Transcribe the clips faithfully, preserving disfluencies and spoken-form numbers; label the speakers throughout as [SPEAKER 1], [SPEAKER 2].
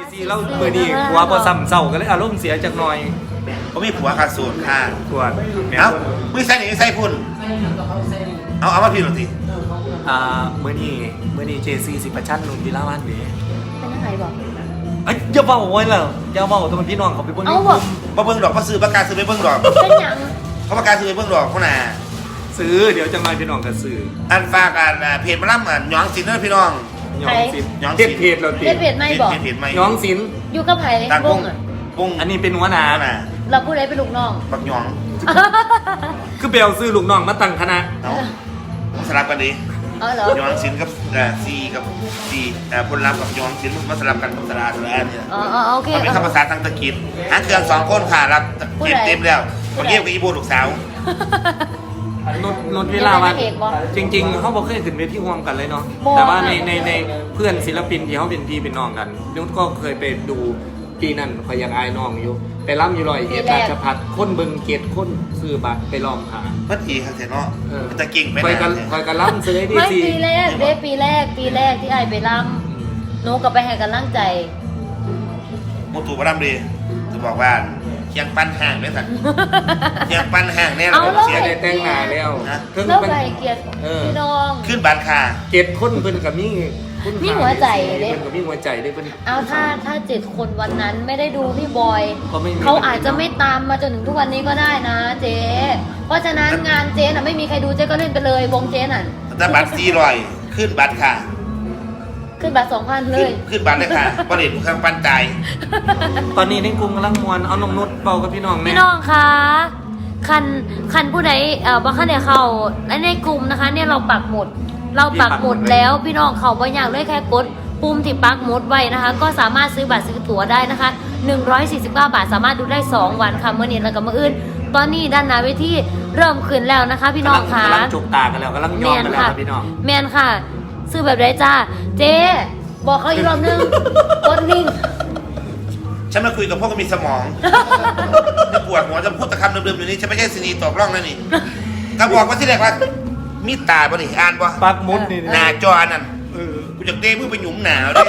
[SPEAKER 1] ซีเล่าเมื่อนี้ผัวพอซ้ำเศร้าก็เลยอารมณ์เสียจักหน่อย
[SPEAKER 2] เขามีผัวขาดสูตรค่ะ
[SPEAKER 1] ปวด
[SPEAKER 2] เอ้าไม่ใส่หนิใส่พุ่นเอาเอามาพิมพ์หน่อยสิ
[SPEAKER 1] อ่าเมื่อนี้เมื่อนี้เจซีสิประชันลุงวิลาวันเด้
[SPEAKER 3] เป็นยังไงบอก
[SPEAKER 1] เอ้ยอย่าเบาไว้แล้วอย่าเบาตัวมันพี่น้องเขาไปเบิ่ง
[SPEAKER 3] เอาบอก
[SPEAKER 2] มาเบิ้งดอกมาซื้อประกาศซื้อไปเบิ้งดอก
[SPEAKER 3] เป็นหยัง
[SPEAKER 2] เขาประกาศซื้อไปเบิ้งดอกเขาหนา
[SPEAKER 1] ซื้อเดี๋ยวจะมาพี่น้องกันซื้อ
[SPEAKER 2] อันฝากอันเพจมาล่ำอันหยองสินเนอร์พี่น้อง
[SPEAKER 1] ย้องสิน
[SPEAKER 2] ย้องสิน
[SPEAKER 1] เจ็ดเพจเราติ
[SPEAKER 3] เพจเพจไม่บอก
[SPEAKER 2] เพจเพจไม่
[SPEAKER 1] ย้องสิน
[SPEAKER 3] อยู่กับไผ่
[SPEAKER 2] ต่าง
[SPEAKER 3] บ
[SPEAKER 2] ว
[SPEAKER 3] ง
[SPEAKER 2] ง
[SPEAKER 3] อ่ะ
[SPEAKER 2] วง
[SPEAKER 1] อันนี้เป็นหัวหน้า
[SPEAKER 2] หนา
[SPEAKER 3] เราพูดอะไรเป็นลูกน้อง
[SPEAKER 2] บักหยอง
[SPEAKER 1] คือเบลซื้อลูกน้องมาตั้งคณะ
[SPEAKER 2] เนาะสลับกันดิ
[SPEAKER 3] เออเหรอ
[SPEAKER 2] หยองสินกับเอ่อซีกับซีเอ่อพลลัพธ์กับหยองสินมาสลับกันกับสลาสลาเนี่ย
[SPEAKER 3] อ๋ออ๋อโอเค
[SPEAKER 2] มันเป็นคำภาษาทางตะกิดหางเครื่องสองคนค่ะรับเก็บเต็มแล้วคนเยี่ยมกับอีโบลูกสาว
[SPEAKER 1] นุชนุชวิลาวันจริงๆเขาบอกเคยขึ้นเวทีร่วมกันเลยเนาะแต่ว่าในในในเพื่อนศิลปินที่เขาเป็นพี่เป็นน้องกันนุชก็เคยไปดูปีนั้นคอยยังอายน้องอยู่ไปร่ำอยู่ลอยเอ็ดราชพัฒน์คนเบิงเกตคนซื้อบัตรไปลองหา
[SPEAKER 2] พัดทีครับเสร็จเนาะ
[SPEAKER 1] เออ
[SPEAKER 2] จะเก่งไป
[SPEAKER 1] คอย
[SPEAKER 2] นะ
[SPEAKER 1] กันคอยกันล่ำซื้อให้ดี
[SPEAKER 3] ไม่
[SPEAKER 1] สิ
[SPEAKER 3] ปีแรกเด้ปีแรกปีแรกที่ไอ้ไปรำหนูกับไปให้กันร่างใจ
[SPEAKER 2] โมตูบารมดีจะบอกว่าเคียงปั้นห่างเนี่ยสัตว์เคียงปั้นห่างเนี่ยเราเสีย
[SPEAKER 1] ได้แต่งหน้าแล้วเพิ่ง
[SPEAKER 3] แล้ว
[SPEAKER 1] มัน
[SPEAKER 3] ไปเกียรติ
[SPEAKER 1] เออ
[SPEAKER 3] พี่น้อง
[SPEAKER 2] ขึ้นบัตรค่ะ
[SPEAKER 1] เกตคนเพิ่นกับมี่คุณ
[SPEAKER 3] มีหัวใจเด้
[SPEAKER 1] เพิ่นกับมี่หัวใจเด้เพิ่น
[SPEAKER 3] เอาถ้าถ้าเจ็ดคนวันนั้นไม่ได้ดูพี่บอย
[SPEAKER 1] ก็ไม่มี
[SPEAKER 3] เขาอาจจะไม่ตามมาจนถึงทุกวันนี้ก็ได้นะเจ๊เพราะฉะนั้นงานเจ๊น่ะไม่มีใครดูเจ๊ก็เล่นไปเลยวงเจ๊น่ะ
[SPEAKER 2] แต่บัตรสี่ร้อยขึ้นบัตรค่ะ
[SPEAKER 3] ขึ้นบัตรสองพันเล
[SPEAKER 2] ขึ้น
[SPEAKER 3] ย
[SPEAKER 2] ขึ้นบัตรเลยค่ะประเด็นเครื่องปั้นใจ
[SPEAKER 1] ตอนนี้ในกลุ่มกำลังมวนเอานมนุชเป่ากับพี่น้อง
[SPEAKER 3] พี่
[SPEAKER 1] แม่
[SPEAKER 3] น้องคะคันคันผู้ใดเอ่อบ่คันได้เข้าและในกลุ่มนะคะ เนี่ยเราปักหมุด เราปักหมุดแล้วพี่น้องเขาบ่อยากเลยแค่กดปุ่มที่ปักหมุดไว้นะคะ ก็สามารถซื้อบัตรซื้อตั๋วได้นะคะหนึ่งร้อยสี่สิบเก้าบาทสามารถดูได้สองวันค่ะเมื่อนี้แล้วก็เมื่ออื่น ตอนนี้ด้านหน้าเวทีเริ่มขึ้นแล้วนะคะ พี่น้องคะ
[SPEAKER 1] กำลังจุกตากันแล้วกำลังยอมกันแล้วครับพี่น้อง
[SPEAKER 3] แมนค่ะ ซื้อแบบไรจ้าเจ๊บอกเขาอีกรอบนึงกดนิ่ง
[SPEAKER 2] ฉันมาคุยกับพวกก็มีสมองจะปวดหัวจะพูดตะคำเดิมๆอยู่นี่ฉันไม่ใช่ซีนีตกร่องแล้วนี่ถ้าบอกว่าที่แรกว่ามีตาบ่นี่อ่านบ่
[SPEAKER 1] ปักหมุดนี่
[SPEAKER 2] หน้าจอนั่น
[SPEAKER 1] เออ
[SPEAKER 2] กูจะเด้มือไปหยุมหนาวด้วย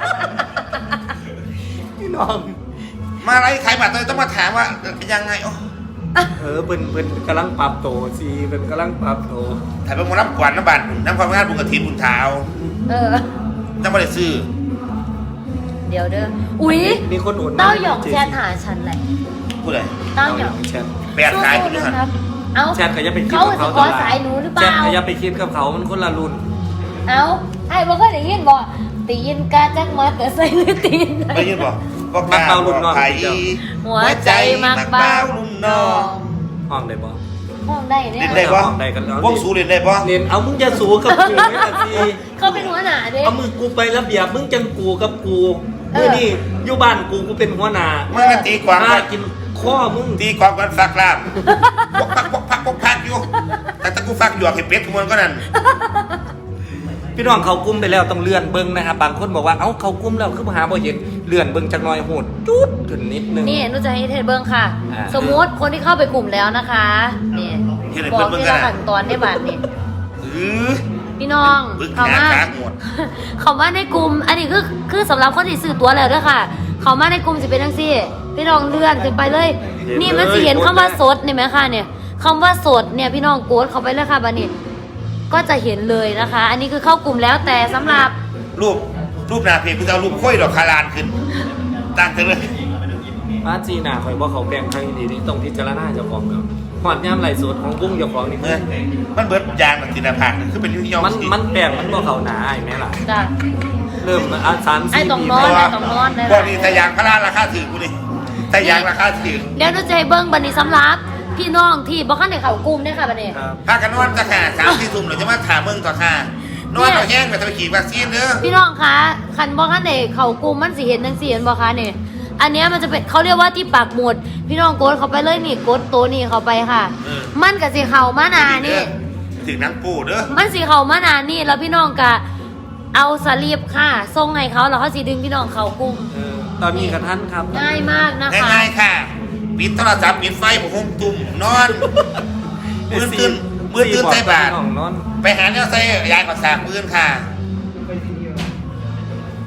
[SPEAKER 1] พี่น้อง
[SPEAKER 2] มาอะไรขายบัตรต้องมาถามว่ายังไงโอ้
[SPEAKER 1] เออเพิ่นเพิ่นกำลังปรับโตสิเพิ่นกำลังปรับโต
[SPEAKER 2] ถ่ายไปหมดน้ำกวาดน้ำบัตรน้ำความงานบุญกระถินบุญเท้า
[SPEAKER 3] เออ
[SPEAKER 2] น้ำไม่ได้ซื้อ
[SPEAKER 3] เดี๋ยวเด้ออุ๊ย
[SPEAKER 1] มีคนอุด
[SPEAKER 3] เต้าหยองแชทหาฉันเลย
[SPEAKER 2] ผู้ใด
[SPEAKER 3] เต้าหยอง
[SPEAKER 1] แชท
[SPEAKER 2] แปดสายคุณ
[SPEAKER 3] สู้
[SPEAKER 2] ด้วย
[SPEAKER 3] ๆ
[SPEAKER 2] กั
[SPEAKER 3] นะ
[SPEAKER 2] น
[SPEAKER 3] ครับ เอ้า
[SPEAKER 1] แชทก็อย่าไปคิด
[SPEAKER 3] เขา
[SPEAKER 1] กับ
[SPEAKER 3] จะ
[SPEAKER 1] เขา
[SPEAKER 3] ขอสายหนูหรือเป
[SPEAKER 1] แชท
[SPEAKER 3] ล่า
[SPEAKER 1] ก็อย่าไปคิดกับเขามันคนละรุ่น
[SPEAKER 3] เอ้าไอ้บอกเคยได้ยินบ่ตียินกาจักมาแต่ใส่หรือตีนไหน
[SPEAKER 2] ไม่ยินบอกบอก
[SPEAKER 1] มักเบารุ่นน้อง
[SPEAKER 2] ไผ่
[SPEAKER 3] หัวใจมักเบา
[SPEAKER 2] รุ่นน้อง
[SPEAKER 1] ห้องได้บ่
[SPEAKER 3] ห้องได้เนี่
[SPEAKER 2] เล่
[SPEAKER 3] ย
[SPEAKER 2] นได้ปะ
[SPEAKER 1] ได้กันแล้ว
[SPEAKER 2] วงสูเล่นได้ปะ
[SPEAKER 1] เรียนเอามึงจะสูกับกูไม่ละสิ
[SPEAKER 3] เขาเป็นหัวหน้าเด้
[SPEAKER 1] เอามือกูไประเบียบมึงจังกูกับกู
[SPEAKER 3] เออ
[SPEAKER 1] เมื่อนี่อยู่บ้านกูกูเป็นหัวหน้า
[SPEAKER 2] มึงก็ตีความ
[SPEAKER 1] มา
[SPEAKER 2] กัน
[SPEAKER 1] กินข้อมึง
[SPEAKER 2] ตีความกันฟักลาบปกพักปกพักปกพักอยู่แต่ถ้ากูฟักหยวกให้เป็ดขโมยก็นั่น
[SPEAKER 1] พี่น้องเขากุ้มไปแล้วต้องเลื่อนเบิ้งนะครับบางคนบอกว่าเอ้าเขากุ้มแล้วคือหาบ่เห็นเลื่อนเบิ้งจักหน่อยโหดจุดขึ้นนิดนึง
[SPEAKER 3] นี่หนูจะให้เทศเบิ้งค่ะ
[SPEAKER 1] อ่า
[SPEAKER 3] สมมุติคนที่เข้าไปกลุ่มแล้วนะคะนี่บอกที่ละขั้นตอนได้บัตรนี่
[SPEAKER 2] เออ
[SPEAKER 3] พี่น้อง
[SPEAKER 2] บึก
[SPEAKER 3] เขา
[SPEAKER 2] หา
[SPEAKER 3] มา
[SPEAKER 2] ขาหมด
[SPEAKER 3] เขามาในกลุ่ม อันนี้คือคือสำหรับคนที่ซื้อตั๋วแล้วด้วยค่ะ เขามาในกลุ่มสิเป็นจังซี่ พี่น้องเลื่อนขึ้นไปเลย นี่มันสิเห็นคำว่าสดนี่ไหมคะเนี่ยคำว่าสดเนี่ยพี่น้องกดเข้าไปเลยค่ะบัดนี้ ก็จะเห็นเลยนะคะ อันนี้คือเข้ากลุ่มแล้วแต่สำหรับ
[SPEAKER 2] รูปรูปหน้าเพจกูจะเอารูปค่อยดอกคารานขึ้นตั้งกันเลย
[SPEAKER 1] มาจีน่าคอยบอกเขาแบ่งทางดีนี่ต้องพิจารณาเจ้าของเนาะหอดย่ามไหลสดของกุ้งเจ้าของนี่
[SPEAKER 2] เมื่อมันเบิดยางมันติดหน้าผากคือเป็นยุ่งยอง
[SPEAKER 1] มัน
[SPEAKER 2] สิ
[SPEAKER 1] มันแปลงมันบ่เขาหนาไอ้แม่ล่ะ
[SPEAKER 3] จ้ะ
[SPEAKER 1] เริ่มอ่ะสาม
[SPEAKER 3] ไอ้
[SPEAKER 1] สี่
[SPEAKER 3] ตรง
[SPEAKER 1] ปี
[SPEAKER 3] โน้น
[SPEAKER 1] มา
[SPEAKER 3] ตรงโน้นได้
[SPEAKER 2] พวกนี้แต่ยางพาราราคาถือกูนี่แต่ยางราคาถือ
[SPEAKER 3] เดี๋ยวหนูจะให้เบิ้งบัดนี้สำหรับพี่น้องที่บ่คันได้เข้ากลุ่มเนี่ยค่ะบัดนี้
[SPEAKER 1] ครับ
[SPEAKER 2] พากันนอนจะขาสามที่ทุ่มหรือจะมาถามเมืองต่อค่านอนเอาแห้งไปจะไปขี่วัคซีนเด้อ
[SPEAKER 3] พี่น้องคะคันบ่คันได้เข้ากลุ่มมันสิเห็นจังซี่เห็นบ่คะนี่อันเนี้ยมันจะเป็นเขาเรียกว่าที่ปักหมุด พี่น้องกดเข้าไปเลยนี่กดตัวนี้เข้าไปค่ะ มันก็สิเข้ามาหนานี่
[SPEAKER 2] ถึงนังปูเด้อ
[SPEAKER 3] มันสิเข้ามาหนานี่แล้วพี่น้องก็เอาสลีปค่ะส่งให้เขาแล้วเขาสิดึงพี่น้องเข้ากลุ่ม
[SPEAKER 1] เออตอนนี้กับท่านครับ
[SPEAKER 3] ง่ายมากนะคะ
[SPEAKER 2] ง่ายๆค่ะ ปิดโทรศัพท์ปิดไฟผมคงตุ่มนอนมือตื่นมือตื่นใส่บาท
[SPEAKER 1] น้องนอน
[SPEAKER 2] ไปหาแนวใส่ยายกับสากปืนค่ะ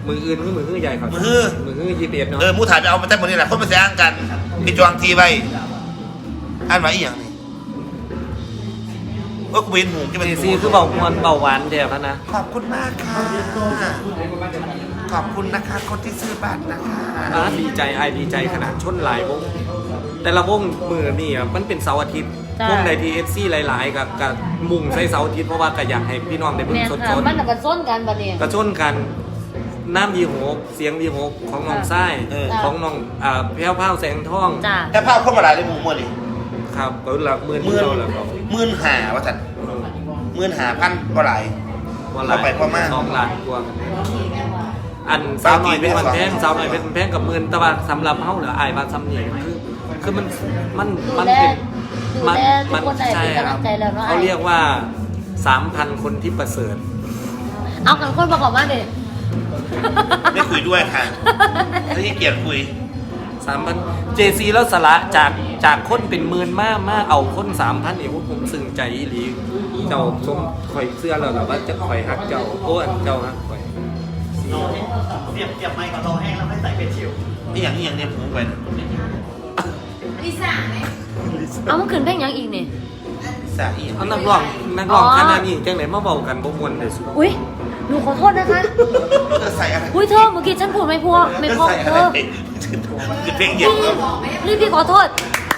[SPEAKER 1] มืออื่นคือมือคือใหญ่ครับ
[SPEAKER 2] มือฮื้อ
[SPEAKER 1] มือคือยี่สิบเอ็ดเนาะ
[SPEAKER 2] เออมูถ่ายไปเอามาแต่หมดนี่แหละคนมาแซงกันไปจวงทีไปอ่านมาอีกอย่างนี้ว่ากูเห็นหูที่มัน
[SPEAKER 1] เจซีคือเบามวนเบาหวานแท้พะนะ
[SPEAKER 2] ขอบคุณมากค่ะขอบคุณนะคะคนที่ซื้อบัตรนะคะ
[SPEAKER 1] อ่าดีใจไอายดีใจขนาดชนหลายวงแต่ละวงมือนี่อ่ะมันเป็นเสาร์อาทิตย์
[SPEAKER 3] จ้ะ
[SPEAKER 1] วงใดทีเอฟซีหลายๆกับกับมุ่งใส่เสาร์อาทิตย์เพราะว่าก็อยากให้พี่น้องได้เบิ่ง
[SPEAKER 3] แม่น
[SPEAKER 1] สด
[SPEAKER 3] ค่ะ
[SPEAKER 1] ๆ
[SPEAKER 3] มันน่ะกันส้นกันบัดนี้
[SPEAKER 1] กระชนกันน้ำดีโหกเสียงดีโหกของน้องไส้
[SPEAKER 2] เออ
[SPEAKER 1] ของน้องอ่าแพ้วพ้าวแสงทอง
[SPEAKER 3] จ้า
[SPEAKER 2] แค่ภาพเข้ามาหลายเลยหมูมือนี่
[SPEAKER 1] ครับเปิดหลักหมื่น
[SPEAKER 2] หมื่น
[SPEAKER 1] เราแล้วก็
[SPEAKER 2] หมื่นหาว่าสันหมื่นหาพันก็หลาย
[SPEAKER 1] ว่าหลาย
[SPEAKER 2] เอาไปประมาณ
[SPEAKER 1] สองล้านกว่าอันสาวหน่อยเป็นวันแพงสาวหน่อยเป็นแพงกับหมื่นแต่ว่าสำหรับเฮาเหลืออายว่าซ้ำนี่คือคือมันมัน
[SPEAKER 3] ดู
[SPEAKER 1] มัน
[SPEAKER 3] แล
[SPEAKER 1] เป็น
[SPEAKER 3] ดู
[SPEAKER 1] มั
[SPEAKER 3] แลทุกคนได้
[SPEAKER 1] ใช่
[SPEAKER 3] เป็น
[SPEAKER 1] ค
[SPEAKER 3] กำ
[SPEAKER 1] รั
[SPEAKER 3] ลั
[SPEAKER 1] บ
[SPEAKER 3] งใจแล้วเนาะ
[SPEAKER 1] เขาเรียกว่าสามพันคนที่ประเสริฐ
[SPEAKER 3] เอากันคนประกอบมาเด็
[SPEAKER 2] ไม่คุยด้วยค่ะไม่ให้เกียรติคุย
[SPEAKER 1] สามพันเจซีแล้วสละจากจากคนเป็นหมื่นมากมากเอาคนสามพันเอวผมซึ้งใจอีหลีเจ้าชมข่อยเสื้อแล้วหรอว่าจะข่อยฮักเจ้าโอ้อันเจ้าฮักข่อย
[SPEAKER 4] เสียบเสียบไม้ก่อนรอแห้งแล้วไม่ใส่เป็นชิว
[SPEAKER 2] นี่อย่างนี้อย่างเนี้ยผมไปนะ
[SPEAKER 3] เอามันขึ้นเพลงหยังอีกนี่
[SPEAKER 2] สาอีก
[SPEAKER 1] เอานักร้องนักร้อง
[SPEAKER 3] อ๋อ
[SPEAKER 1] ขนาดนี้จังไหนมาเบากันบ่มวนเลยสุด
[SPEAKER 3] อุ้ยหนูขอโทษนะคะ
[SPEAKER 2] เธอใส่อะไร
[SPEAKER 3] อุ้ยเธอเมื่อกี้ฉันพูดไม่พอไม่
[SPEAKER 2] เธอ
[SPEAKER 3] พอ
[SPEAKER 2] ใส่
[SPEAKER 3] เธ
[SPEAKER 2] อะไร
[SPEAKER 3] อ
[SPEAKER 2] คือเพลงเดี
[SPEAKER 3] พี่
[SPEAKER 2] ยวก็
[SPEAKER 3] รีบพี่ขอโทษ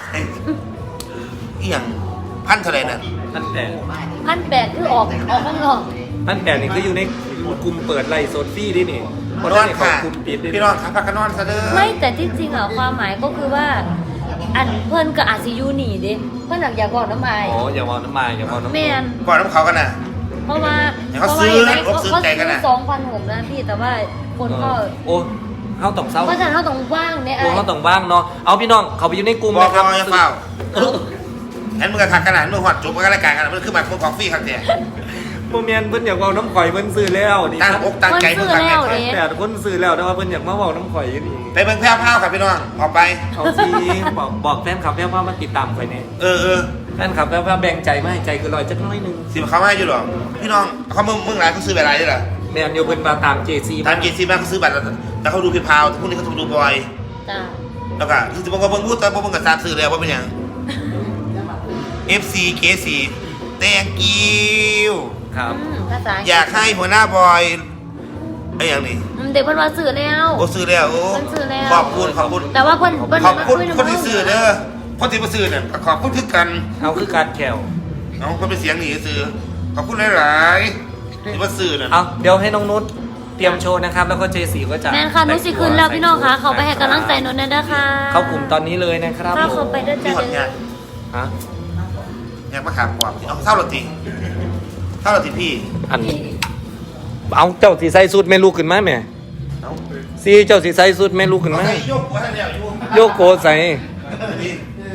[SPEAKER 2] อีอย่างพันเท่าไหรน่ะ
[SPEAKER 1] ท่านแต่
[SPEAKER 3] พันแปดคือออกออกข้างนอก
[SPEAKER 1] ท่านแต่นี่คืออยู่ในกลุ่มเปิดไลฟ์สดฟรีดินี่เพราะ
[SPEAKER 2] น
[SPEAKER 1] ท่า
[SPEAKER 2] อน น
[SPEAKER 1] นี่เขา
[SPEAKER 2] ค่ะ
[SPEAKER 1] กลุ่มปิดดิ
[SPEAKER 2] พี่นอนครับพักกันนอนซะเด้อ
[SPEAKER 3] ไม่แต่ที่จริงอ่ะความหมายก็คือว่า อันเพื่อนก็อาจสิอยูหนีเด้เพื่อนหลักอยากบอกน้ำอาย
[SPEAKER 1] อ๋ออย่ามองน้ำมาอย่ามองน้ำ
[SPEAKER 3] แมน
[SPEAKER 2] ก่อนน้ำเขากันน่ะ
[SPEAKER 3] เพราะว่า
[SPEAKER 2] เดี๋ยวเขาซื้อนะ
[SPEAKER 3] เพราะว่า
[SPEAKER 2] เขาซื้อ
[SPEAKER 3] เขา
[SPEAKER 2] ใจกัน
[SPEAKER 3] ซื้
[SPEAKER 2] น่ะ
[SPEAKER 3] อสองพันหกนะพี่แต่ว่าคนก็
[SPEAKER 1] โอ้เฮาต้องเศร้า
[SPEAKER 3] เพราะฉะนั้นเราต้องว่างเนี่ยไอ้
[SPEAKER 1] โอ้เฮาต้องว่างเนาะเอาพี่น้องเขาไปอยู่ในกลุ่ม
[SPEAKER 2] บอก
[SPEAKER 1] นะครับ
[SPEAKER 2] รออย่าเฝ้างั้นมึงก็ขัดขนาดมึงหอดจุบกันรายการกันมันคือแบบมึงของฟรีครับเนี่ย
[SPEAKER 1] โมเมนเพิ่นอยากเว้าน้ำข่อยเพิ่นซื้อแล้วนี่
[SPEAKER 2] ตั้งอกตั้งใจมึงขัดแน่
[SPEAKER 3] เอ๊ะ
[SPEAKER 1] แต่คนซื้อแล้วแต่ว่าเพิ่นอยากมาเว้าน้ำข่อยอยู่นี่
[SPEAKER 2] ไปเบิ่งแพ้วพ้าวครับพี่น้องออกไป
[SPEAKER 1] เอาสิบอกบอกแฟนคลับแฟนว่ามาติดตามข่อยแน่
[SPEAKER 2] เออเออ
[SPEAKER 1] แฟนคลับแฟนว่าแบ่งใจมาให้ใจคือลอยจักหน้อยหนึง
[SPEAKER 2] สิบเขาไม่ให้อยู่หรอพี่น้องเขามึงมึงหลายเขาซื้อแบบไรด้วยล่ะ
[SPEAKER 1] แม่นอยู่เพิ่นมาตาม เจ ซี
[SPEAKER 2] ตามเกซีมาเขาซื้อบัตรแต่เขาดูพี่พาวพวกนี้เขาต้องดูบอย
[SPEAKER 3] จ้า
[SPEAKER 2] แล้วก็คือจะบอกว่าเบิ่งพูดแต่พวกมึงกับซาซื้อแล้วว่าเป็นยัง เอฟ ซี เค ซี thank you
[SPEAKER 1] ครับ
[SPEAKER 3] อืมภาษา
[SPEAKER 2] อยากให้หัวหน้าบอยไอ้อย่างนี้
[SPEAKER 3] อืมเด็กเพิ่นว่าซื้อแล้ว
[SPEAKER 2] โอ้ซื้อแล้วโอ้
[SPEAKER 3] เพิ่นซื้อแล้ว
[SPEAKER 2] ขอบคุณขอบคุณ
[SPEAKER 3] แต่ว่าเพิ่นเพิ่น
[SPEAKER 2] ขอบคุณ
[SPEAKER 3] มาย
[SPEAKER 2] คนที่ซื้อเด้อคนที่มาซื้อเนี่ยขอบคุณคือกัน
[SPEAKER 1] เอาคือการแขว
[SPEAKER 2] เอาคนเป็นเสียงหนีซื้อขอบคุณหลายๆที่มาซื้อน่ะ
[SPEAKER 1] เอาเดี๋ยวให้น้องนุชเตรียมโชว์นะครับ แล้วก็ เจ ซี ก็จะ
[SPEAKER 3] แม่นค่ะนุสิขึ้นแล้วพี่น้องค่ะเขาไปให้กำลังใจหนุนนะเด้อค่ะ
[SPEAKER 1] เข้ากลุ่มตอนนี้เลยนะครับ
[SPEAKER 3] เข้าเขาไปด้วย
[SPEAKER 2] ที่
[SPEAKER 3] จ้า
[SPEAKER 2] หอด
[SPEAKER 3] เด้
[SPEAKER 2] งา
[SPEAKER 3] อน
[SPEAKER 1] ฮะ
[SPEAKER 2] งานมาขามกว่าเอาเท่าหรอตีเท่าหรอตีพี่
[SPEAKER 1] อันเอาเจ้าสีใส่สุดแม่ลูกขึ้นมาแม่
[SPEAKER 2] เอา
[SPEAKER 1] ซีเจ้าสีใส่สุดแม่ลูกขึ้นมา
[SPEAKER 2] เอาใส่โยกหัวท่านแล้วอยู่
[SPEAKER 1] โยโกใส่
[SPEAKER 2] นี่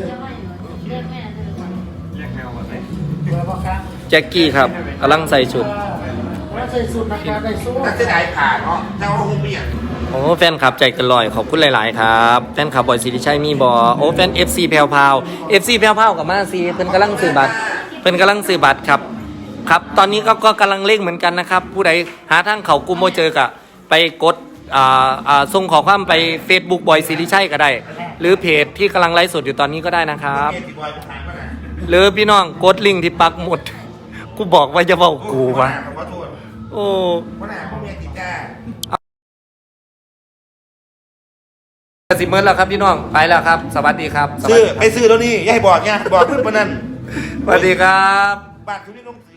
[SPEAKER 1] แจ็คกี้ครับกำลังใส่ชุด
[SPEAKER 2] นักเสียดายผ่านเนาะเจ้าเราคงเปลี่ยน
[SPEAKER 1] โอ้แฟนคลับใจเกันลอยขอบคุณหลาย ๆ ครับแฟนคลับบอยสิริชัยมีบอโอ้แฟน เอฟ ซี แพรวพราว เอฟ ซี แพรวพราวกับมาซีเพิ่นกำลังซื้อบัตรเพิ่นกำลังซื้อบัตรครับครับ ตอนนี้ก็ก็กำลังเร่งเหมือนกันนะครับ ผู้ใดหาทางเขากลุ่มโมเจอกะไปกดอ่าอ่าส่งขอความไป Facebook บอยสิริชัยก็ได้ หรือเพจที่กำลังไลฟ์สดอยู่ตอนนี้ก็ได้นะครับ
[SPEAKER 2] เกติบอยผ่านมาน่ะ
[SPEAKER 1] หรือพี่น้องกดลิงก์ที่ปักหมุด กูบอกว่าจะบอกกูวะ
[SPEAKER 2] ขอโทษ
[SPEAKER 1] โอ้
[SPEAKER 2] วันหน้าพ่อแม่ติดจ้า
[SPEAKER 1] สิเมิร์แล้วครับพี่น้องไปแล้วครับ สวัสดีครับสวัส
[SPEAKER 2] ซื้อ
[SPEAKER 1] ดีค
[SPEAKER 2] ไป
[SPEAKER 1] รับ
[SPEAKER 2] ซื้อแล้วนี่อย่าให้บอกเนี่ยบอกเพื่อนปนนั้น
[SPEAKER 1] สวัสดีครับ
[SPEAKER 2] บาททุนนี่ลง